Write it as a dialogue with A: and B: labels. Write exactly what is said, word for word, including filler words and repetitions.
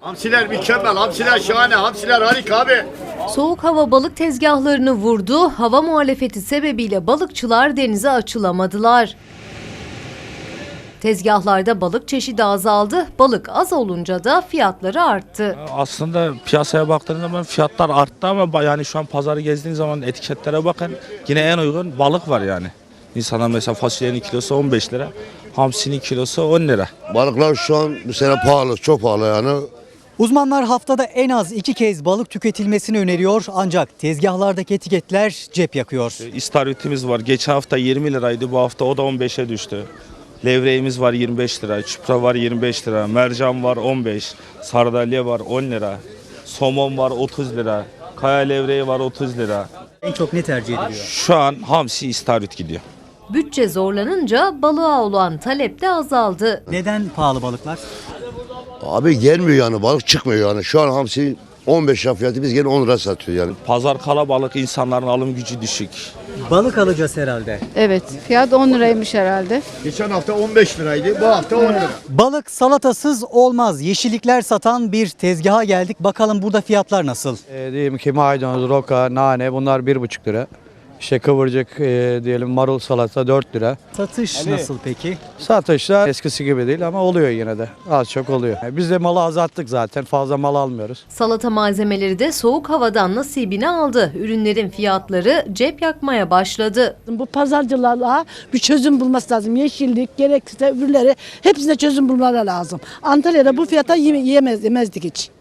A: Hamsiler mükemmel, hamsiler şahane, hamsiler harika abi.
B: Soğuk hava balık tezgahlarını vurdu. Hava muhalefeti sebebiyle balıkçılar denize açılamadılar. Tezgahlarda balık çeşidi azaldı. Balık az olunca da fiyatları arttı.
C: Aslında piyasaya baktığınız zaman fiyatlar arttı ama yani şu an pazarı gezdiğiniz zaman etiketlere bakın yine en uygun balık var yani. İnsanlar mesela fasulyenin kilosu on beş lira, hamsinin kilosu on lira.
D: Balıklar şu an bu sene pahalı, çok pahalı yani.
E: Uzmanlar haftada en az iki kez balık tüketilmesini öneriyor ancak tezgahlardaki etiketler cep yakıyor.
C: İstavritimiz var. Geçen hafta yirmi liraydı, bu hafta o da on beşe düştü. Levreğimiz var yirmi beş lira, çupra var yirmi beş lira, mercan var on beş, sardalya var on lira, somon var otuz lira, kaya levreği var otuz lira.
E: En çok ne tercih ediliyor?
C: Şu an hamsi istavrit gidiyor.
B: Bütçe zorlanınca balığa olan talep de azaldı.
E: Neden pahalı balıklar?
D: Abi gelmiyor yani, balık çıkmıyor yani. Şu an hamsi on beş lira fiyatı, biz gene on lira satıyoruz yani.
C: Pazar kalabalık, insanların alım gücü düşük.
E: Balık alacağız herhalde.
F: Evet, fiyat on liraymış herhalde.
A: Geçen hafta on beş liraydı, bu hafta on lira.
E: Balık salatasız olmaz. Yeşillikler satan bir tezgaha geldik. Bakalım burada fiyatlar nasıl?
G: E, diyelim ki maydanoz, roka, nane bunlar bir buçuk lira. İşte kıvırcık e, diyelim marul salata dört lira.
E: Satış nasıl peki?
G: Satışlar eskisi gibi değil ama oluyor yine de. Az çok oluyor. E, Biz de malı azalttık zaten. Fazla mal almıyoruz.
B: Salata malzemeleri de soğuk havadan nasibini aldı. Ürünlerin fiyatları cep yakmaya başladı.
H: Bu pazarcılarla bir çözüm bulması lazım. Yeşillik, gerekirse öbürleri hepsine çözüm bulmaları lazım. Antalya'da bu fiyata yeme- yemez, yemezdik hiç.